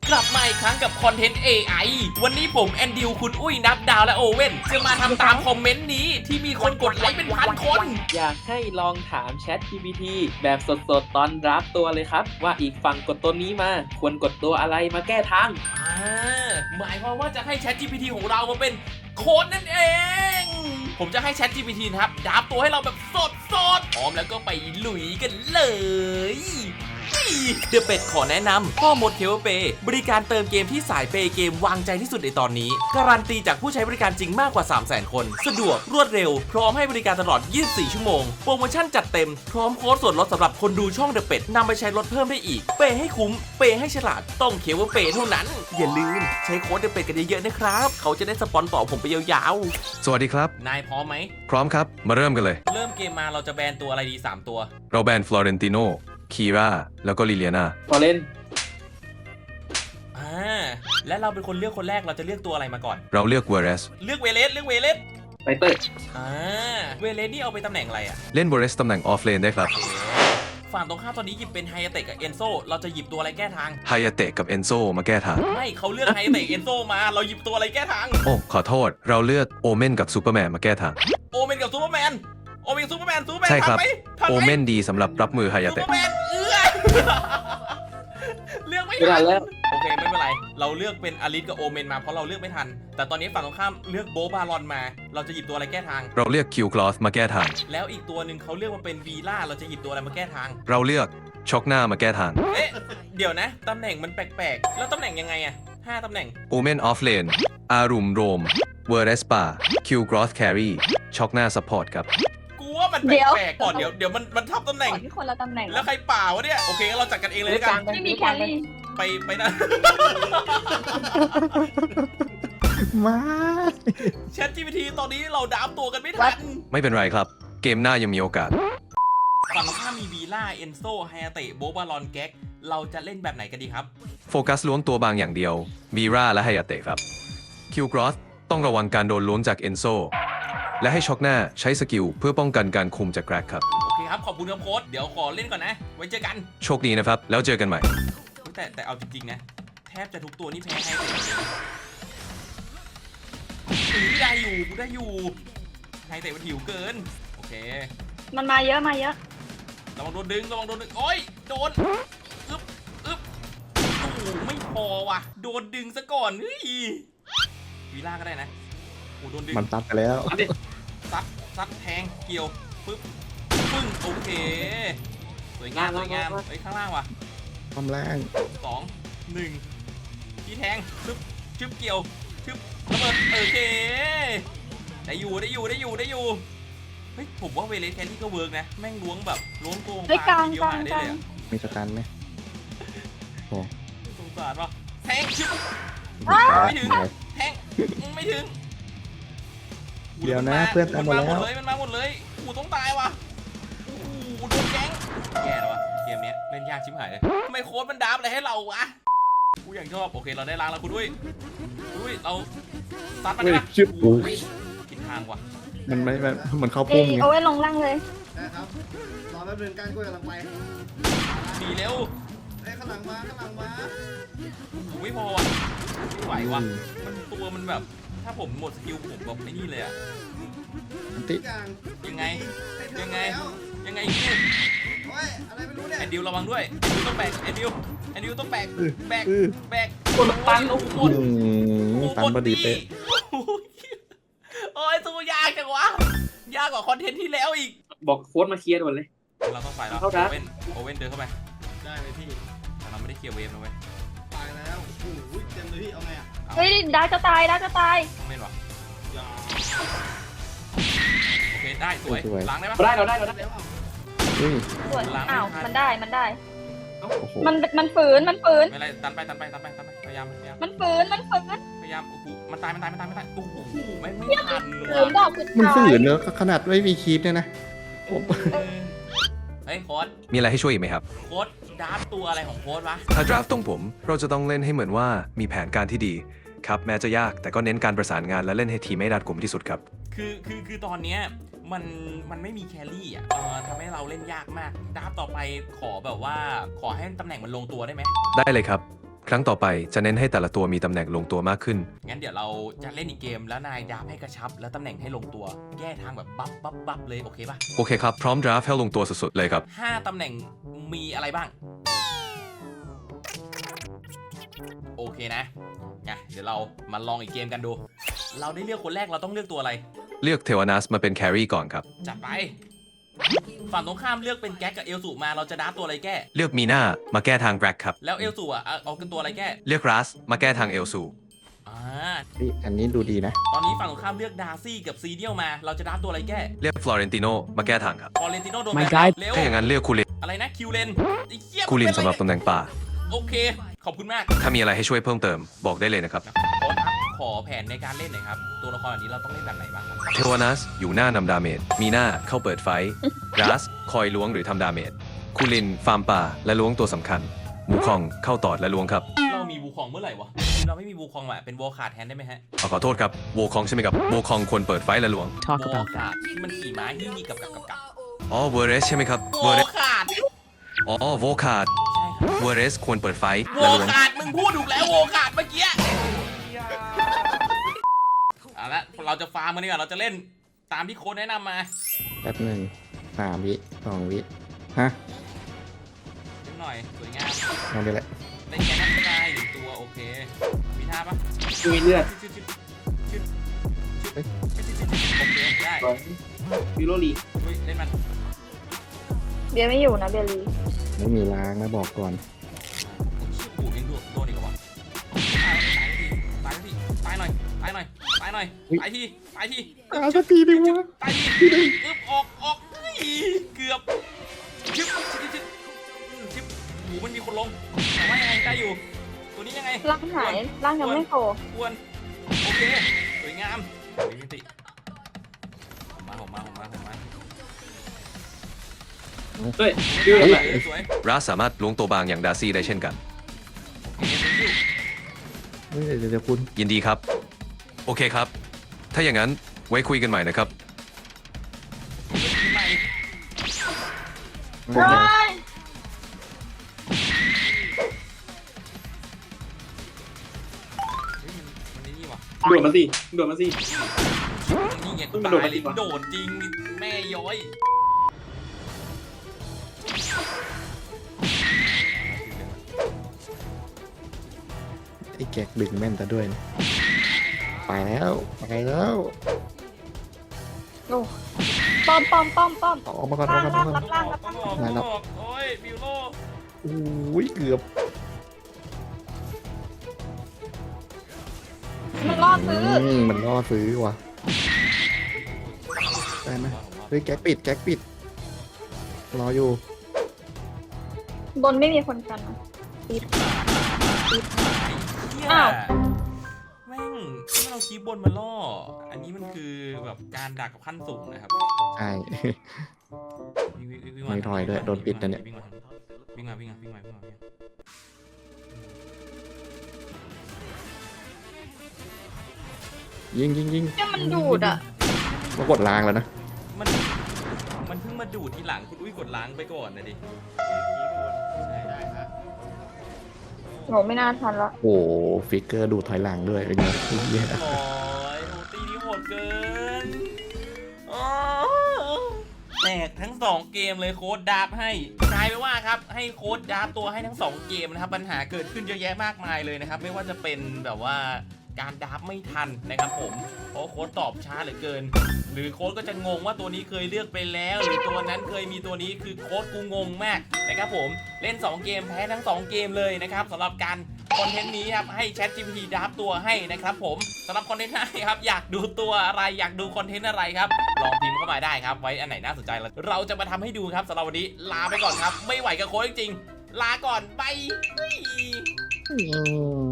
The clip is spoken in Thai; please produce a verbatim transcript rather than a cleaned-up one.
กลับมาอีกครั้งกับคอนเทนต์ เอ ไอ วันนี้ผมแอนดิวคุณอุ้ยนับดาวและโอเว่นจะมาทำตามคอมเมนต์นี้ที่มีคนกดไลค์เป็นพันคนอยากให้ลองถาม Chat จี พี ที แบบสดๆตอนรับตัวเลยครับว่าอีกฝั่งกดตัวนี้มาควรกดตัวอะไรมาแก้ทางอ่าหมายความว่าจะให้ Chat จี พี ที ของเรามาเป็นโค้ดนั่นเอง ผมจะให้ Chat จี พี ที นะครับดับตัวให้เราแบบสดๆพร้อมแล้วก็ไปลุยกันเลยเดอะเป็ดขอแนะนำพ่อมดเคเบิลเปย์บริการเติมเกมที่สายเปย์เกมวางใจที่สุดในตอนนี้การันตีจากผู้ใช้บริการจริงมากกว่า สามแสน คนสะดวกรวดเร็วพร้อมให้บริการตลอดยี่สิบสี่ชั่วโมงโปรโมชั่นจัดเต็มพร้อมโค้ดส่วนลดสำหรับคนดูช่องเดอะเป็ดนำไปใช้ลดเพิ่มได้อีกเปย์ให้คุ้มเปย์ให้ฉลาดต้องเคเบิลเปย์เท่านั้นอย่าลืมใช้โค้ดเดอะเป็ดกันเยอะๆนะครับเขาจะได้สปอนต่อผมไปยาวๆสวัสดีครับนายพร้อมไหมพร้อมครับมาเริ่มกันเลยเริ่มเกมมาเราจะแบนตัวอะไรดีสามตัวเราแบนฟลอเรนติโนคีราแล้วก็ลิเลียนาพอเล่นอ่าและเราเป็นคนเลือกคนแรกเราจะเลือกตัวอะไรมาก่อนเราเลือกเวเรสเลือกเวเลสเลือกเวเลสไปเตอร์อ่าเวเลสนี่เอาไปตำแหน่งอะไรอ่ะเล่นเวเรสตำแหน่งออฟเลนได้ครับโอเคฝั่งตรงข้ามตอนนี้หยิบเป็นไฮยาเตะกับเอนโซเราจะหยิบตัวอะไรแก้ทางไฮยาเตะกับเอนโซมาแก้ทางไม่เขาเลือกไฮยาเตะเอนโซมาเราหยิบตัวอะไรแก้ทางโอ้ขอโทษ เราเลือกโอเมนกับซูเปอร์แมนมาแก้ทางโอเมนกับซูเปอร์แมนโอเมนกับซูเปอร์แมนซูเปอร์แมนใช่ครับทันไหมทันโอไหมเมนดีสำหรับรับมือไฮยาซูเปอเตะร์แมนเอื้อเลือกไม่ไม่ทัทันนแล้วโอเคไม่เป็นไรเราเลือกเป็นอลิสกับโอเมนมาเพราะเราเลือกไม่ทันแต่ตอนนี้ฝั่งตรงข้ามเลือกโบบารอนมาเราจะหยิบตัวอะไรแก้ทางเราเลือกคิวคลอสมาแก้ทางแล้วอีกตัวหนึ่งเขาเลือกมาเป็นวีล่าเราจะหยิบตัวอะไรมาแก้ทางเราเลือกช็อกหน้ามาแก้ทางเอ๊ะเดี๋ยวนะตำแหน่งมันแปลกๆแล้วตำแหน่งยังไงอะห้าตำแหน่งโอเมนออฟเลนอารุมโรมเวเรสปาคิวกรอสแครีช็อกหน้าซัพพอร์ตครับกูว่ามันแเดี๋ยวปลกๆก่อนเดี๋ยวเดี๋ยวมันมันทับตำแหน่งก่อนที่คนละตำแหน่งแล้วใครเปล่าวะเนี่ยโอเคงั้นเราจัดกันเองเลยแล้วกันไม่มีแครี่ไปไปนะมาแชท จี พี ที ตอนนี้เราดับตัวกันไม่ทันไม่เป็นไรครับ เกมหน้ายังมีโอกาสฝั่งตรงข้ามมีวีล่าเอนโซไฮยาเตะโบบารอนแก๊กเราจะเล่นแบบไหนกันดีครับโฟกัสล้วงตัวบางอย่างเดียววีราและไฮยาเตะครับคิวกรอสต้องระวังการโดนล้วงจากเอนโซและให้ช็อกหน้าใช้สกิลเพื่อป้องกันการคุมจากแกรกครับโอเคครับขอบคุณครับโค้ชเดี๋ยวขอเล่นก่อนนะไว้เจอกันโชคดีนะครับ แล้วเจอกันใหม่แต่แต่เอาจริงๆนะแทบจะทุกตัวนี่แพ้ให้เลยถือได้อยู่กูได้อยู่ไฮเตะมันหิวเกินโอเคมันมาเยอะมาเยอะระวังโดนดึงระวังโดนดึงโอ้ยโดนอึ๊บอึ๊บโอ้โหไม่พอว่ะโดนดึงซะก่อนเฮ้ยวีล่าก็ได้นะโอ้โดนดึงมันตัดไปแล้วซัดซัดแทงเกี่ยวปึ๊บปึ้งโอเคสวยงามสวยงามเฮ้ยข้างล่างว่ะความแรงสองหนึ่งที่แทงชึบชึบเกี่ยวชึบระเบิดโอเคได้อยู่ได้อยู่ได้อยู่ได้อยู่เฮ้ยผมว่าเวเลสแคนนี่ก็เวิร์กนะแม่งล้วงแบบล้วงตัวเฮ้ยกลางเดียวกลางหายได้กลาเลยงอะมีสกันไหมโอ้สงสารว่ะแทงชึบตายไม่ถึงตายแทงไม่ถึงเดี๋ยวนะเพื่อนตามหมดแล้วนมาหมดเลยมันมาหมดเลยกูต้องตายว่ะโอ้โหโดนแก๊งแย่แล้ววะเกมเนี้ยเล่นยากชิบหายเลยทำไมโค้ดมันดับอะไรให้เราวะกูอย่างชอบโอเคเราได้ล้างแล้วคุณด้วยคุณด้วยเราซัดมันเฮ้ยนะชิบโอ้ยผิดทางว่ะมันไม่มันเหมือนเข้าเอพุ่มไงเอาไว้ลงล่างเลยได้ครับ รอแป๊บนึงก้านกล้วยกำลังไปดีเร็วเอ้ยข้างหลังมาข้างหลังมาโอ้ไม่พอว่ะไม่ไหวว่ะมันตัวมันแบบถ้าผมหมดสกิลผมแบบไอ้นี่เลยอะอันติทุกอย่างยังไงให้เธอยังไงแล้วยังไงเนี่ยโอ้ยอะไรไม่รู้เนี่ยแอนดิวระวังด้วยแอนดิวต้องแบกแอนดิวแอนดิวต้องแบกแบกอื้อแบกกดตันโอ้โหอืมตันพอดีเป๊ะโอ้ยสู้ยากจังวะยากกว่าคอนเทนต์ที่แล้วอีกบอกโค้ดมาเคลียร์ด่วนเลยเราต้องไปแล้วเข้าโอดักเว่นโอเว่นเดินเข้าไปได้เลยพี่แต่เราไม่ได้เคลียร์เวฟนะเว้ยตายแล้วโอ้โหเต็มเลยพี่ เอาไงอ่ะเอาเฮ้ยดาร์กจะตายดาร์กจะตายเม่นวะอย่าโอเคได้สวยล้างได้ปะเราได้เราได้เราได้แล้วเอาเฮ้ยสวยล้างไม่อ้าวทันมันได้มันได้โอ้โหมันมันฝืนมันฝืนไม่เป็นไรตันไปตันไปตันไปตันไปพยายามพยายามมันฝืนมันฝืนพยายามโอ้โหมันตายมันตายมันตายมันตายโอ้โหไม่ไม่ทันฝืนดอกสุดมันท้าฝืยนเนอะขนาดไม่มีคีปเนี่ยนะผมเออเฮ้ยโค้ดมีอะไรให้ช่วยอีกไหมครับโค้ดดาร์ฟตัวอะไรของโค้ดวะถ้าดราฟตรงผม เราจะต้องเล่นให้เหมือนว่ามีแผนการที่ดีครับแม้จะยากแต่ก็เน้นการประสานงานและเล่นให้ทีมไม่รัดกุมที่สุดครับคือคือคือตอนเนี้ยมันมันไม่มีแครี่อ่ะเออทำให้เราเล่นยากมากดาร์ฟต่อไปขอแบบว่าขอให้ตำแหน่งมันลงตัวได้ไหมได้เลยครับครั้งต่อไปจะเน้นให้แต่ละตัวมีตำแหน่งลงตัวมากขึ้นงั้นเดี๋ยวเราจะเล่นอีกเกมแล้วนายดับให้กระชับแล้วตำแหน่งให้ลงตัวแก้ทางแบบบัฟบัฟบัฟเลยโอเคป่ะโอเคครับ พร้อมดราฟให้ลงตัวสุดๆเลยครับห้าตำแหน่งมีอะไรบ้างโอเคนะไงเดี๋ยวเรามาลองอีกเกมกันดู เราได้เลือกคนแรกเราต้องเลือกตัวอะไรเลือกเทวานัสมาเป็นแครี่ก่อนครับจัดไปฝั่งตรงข้ามเลือกเป็นแก๊กกับเอลสูมาเราจะดับตัวอะไรแก้เลือกมีนามาแก้ทางแบล็กครับแล้วเอลสูอ่ะเอาเอาเป็นตัวอะไรแก้เลือกรัสมาแก้ทางเอลซูอ่าเฮ้ยอันนี้ดูดีนะตอนนี้ฝั่งตรงข้ามเลือกดาร์ซี่กับซีเดียลมาเราจะดับตัวอะไรแก้เลือกฟลอเรนติโนมาแก้ทางครับฟอเรนติโนโดน My แบบ God เร็วถ้าอย่างนั้นเลือกคูลินอะไรนะคิวเลนไอ้เหี้ยคูลินเป็สำหรับอะตำแหน่งป่าโอเคขอบคุณมากถ้ามีอะไรให้ช่วยเพิ่มเติมบอกได้เลยนะครับโค้ชครับขอแผนในการเล่นหน่อยครับ ตัวละครแบบนี้เราต้องเล่นแบบไหนบ้างครับเทวานัสอยู่หน้านำดาเมจ มีหน้าเข้าเปิดไฟท์รัสคอยล้วงหรือทำดาเมจ คูลินฟาร์มป่าและล้วงตัวสำคัญมูคองเข้าตอดและล้วงครับเรามีบูคองเมื่อไหร่วะ เราไม่มีบูคองอ่ะ เป็นวอลขาดแทนได้ไหมฮะขอขอโทษครับโวคองใช่ไหมครับโวคองควรเปิดไฟท์และล้วง Talk วอล about ขาดที่มันขี่ม้ายี่ยี่กับกับกับกับอ๋อเวอร์เรสใช่ไหมครับวเวออร์เรลสขาดอ๋อโวคาดใช่ครับเวอร์เรสควรเปิดไฟท์วและอลล้วงขาดมึงพูดถูกแล้ววอลขาดเมื่อกี้เอาละเราจะฟาร์มมันดีกว่าเราจะเล่นตามที่โค้ชแนะนำมาแป๊บหนึ่งสามวิสองวิฮะนิดหน่อยสวยงามเอาไปแหละได้แค่นั้นก็ได้หนึ่งตัวโอเค มีท่าปะมีเลือดชึดชึดชึดชึดชึดชึดชึดชึดโอเคได้ฟิโรลีเฮ้ยเล่นมันเบียร์ไม่อยู่นะเบียร์ลีไม่มีล้างนะบอกก่อนชื่อปู่ยังโดนโดนอีกเหรอวะตายทีตายหน่อยตายหน่อยตายหน่อยตายทีตายทีเอาสักทีดิวะตายทีอึบออกออกเกือบชึบชึบชึบชึบหูมันมีคนลงแต่ว่ายังไงได้อยู่ตัวนี้ยังไงร่างหายร่างยังไม่โผล่ควรโอเคสวยงามมีมิติผมมาผมมาผมมาผมมาเฮ้ยฟิวสแบวยบสวยรัสสามารถล้วงตัวบางอย่างดาร์ซี่ได้เช่นกันโอเค thank you เฮ้ยเดี๋ยวเดี๋ยวคุณยินดีครับ โอเคครับ ถ้าอย่างนั้นไว้คุยกันใหม่นะครับใหม่โอ้โหเฮ้ยมันมันนี่ว่ะโดดมาสิโดดมาสินี่ไงมัตานโดดยมาเลดียกว่าโดดจริงแม่ย้อยไอ้แก๊กดึงแม่นแต่ด้วยนะไปแล้วไปแล้วโอ้ป้อมป้อมป้อมป้อมเอาออกมาก่อนออกล่างมาก่ล่าอง นรับล่างรับต้องล่างออกไหนต้รัอบ งออกโอ้ยบิวโลโอ้ยเกือบมันล่อซื้ออืมมันล่อซื้อว่ะได้ไหมเฮ้ยแก๊กปิดแก๊กปิดรออยู่บนไม่มีคนกันนะเหี้ยอ้าวแม่งที่เราคีบบนมาล่อ อันนี้มันคือแบบการดักกับขั้นสูงนะครับใช่วิ่งวิ่งวิ่งไม่ถอยด้วยโดนปิดนะเนี่ยวิ่งมาวิ่งมาวิ่งมาวิ่งมาวิ่งมาวิ่งมายิงยิงยิงเนี่ยมันดูดอ่ะมากดล้างแล้วนะมันมันเพิ่งมาดูดทีหลังคุณอุ้ยกดล้างไปก่อนนะดิได้ครับโหไม่น่าทันละโอ้โหฟิกเกอร์ดูถอยหลังด้วยเป็นไงเหี้ยโอ้ยโหตีนี้โหดเกินอ๋อแตกทั้งสองเกมเลยโค้ดดาบให้กลายไปว่าครับให้โค้ดดาบตัวให้ทั้งสองเกมนะครับปัญหาเกิดขึ้นเยอะแยะมากมายเลยนะครับไม่ว่าจะเป็นแบบว่าการดาบไม่ทันนะครับผมเพราะโค้ดตอบช้าเหลือเกิน หรือโค้ดก็จะงงว่าตัวนี้เคยเลือกไปแล้ว หรือตัวนั้นเคยมีตัวนี้คือโค้ดกูงงมากนะครับผมเล่นสองเกมแพ้ทั้งสองเกมเลยนะครับสำหรับการคอนเทนต์นี้ครับให้ ChatGPT ดับตัวให้นะครับผมสำหรับคอนเทนต์ไหนครับอยากดูตัวอะไรอยากดูคอนเทนต์อะไรครับลองพิมพ์เข้ามาได้ครับไว้อันไหนน่าสนใจเราจะมาทำให้ดูครับสำหรับวันนี้ลาไปก่อนครับไม่ไหวกับโค้ดจริงๆลาก่อนบายอืม